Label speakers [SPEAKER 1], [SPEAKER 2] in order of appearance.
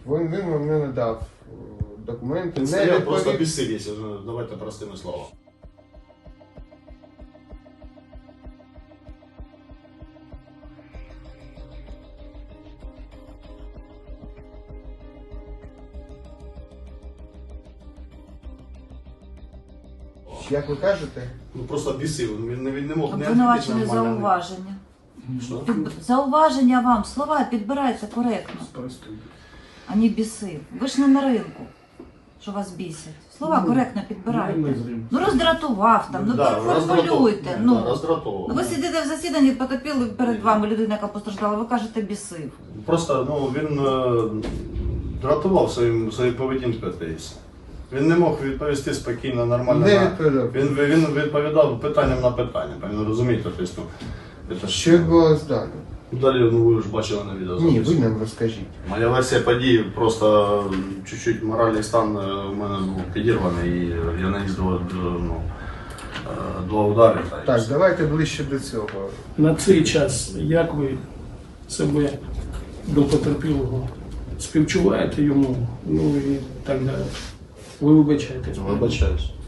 [SPEAKER 1] Він вам не надав документи,
[SPEAKER 2] Це
[SPEAKER 1] не
[SPEAKER 2] просто
[SPEAKER 1] відповів.
[SPEAKER 2] безсилість, давайте простими словами.
[SPEAKER 1] Як ви кажете?
[SPEAKER 2] Ну просто бісив, він не мог не
[SPEAKER 3] Обвинувачене
[SPEAKER 2] відповісти нормально.
[SPEAKER 3] зауваження.
[SPEAKER 2] Що?
[SPEAKER 3] Зауваження вам, слова підбираються коректно, а не біси. Ви ж не на ринку, що вас бісять. Слова коректно підбирайте. Ну роздратував там, ну формулюйте. Ну
[SPEAKER 2] роздратовував.
[SPEAKER 3] ви сидите в засіданні, потопили перед вами людина, яка постраждала, ви кажете бісив.
[SPEAKER 2] Просто він дратував своєю поведінкою десь. Він не мог відповісти спокійно, нормально.
[SPEAKER 1] Не відповідав.
[SPEAKER 2] Він відповідав питанням на питання, розумієте? Тобто,
[SPEAKER 1] Що відбулося далі?
[SPEAKER 2] далі ви ж бачили на відео.
[SPEAKER 1] Ні, ви нам розкажіть.
[SPEAKER 2] Моя версія подій, просто чуть-чуть моральний стан у мене був підірваний і я наніс два удари.
[SPEAKER 1] Так, давайте ближче до цього.
[SPEAKER 4] На цей час, як ви себе до потерпілого співчуваєте йому, ну і так далі. Ви вибачаєтесь.
[SPEAKER 2] Вибачаюсь.